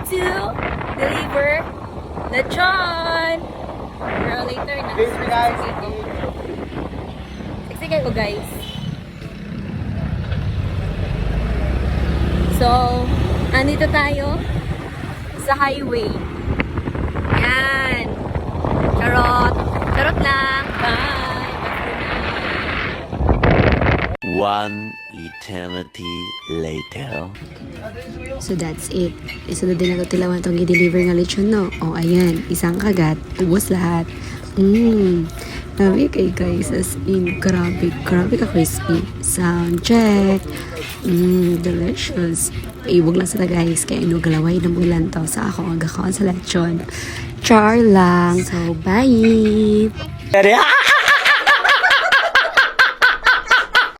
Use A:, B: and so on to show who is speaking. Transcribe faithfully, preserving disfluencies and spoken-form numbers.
A: to deliver lechon. Pero later na.
B: Please, guys.
A: Sige ko guys. So, andito tayo sa highway. Yan. Charot. Charot lang. Bye.
C: One eternity later.
D: So that's it. Isunod din ako tilawan itong i-deliver nga lechon, no? O, ayan. Isang kagat. Ubus lahat. Mmm. Grabe kay guys. As in, grabe. Grabe ka crispy. Sound check. Mmm. Delicious. Iwag lang sila guys. Kaya inugalaway na mulan to sa ako ang gakaon sa lechon. Char lang. So, bye!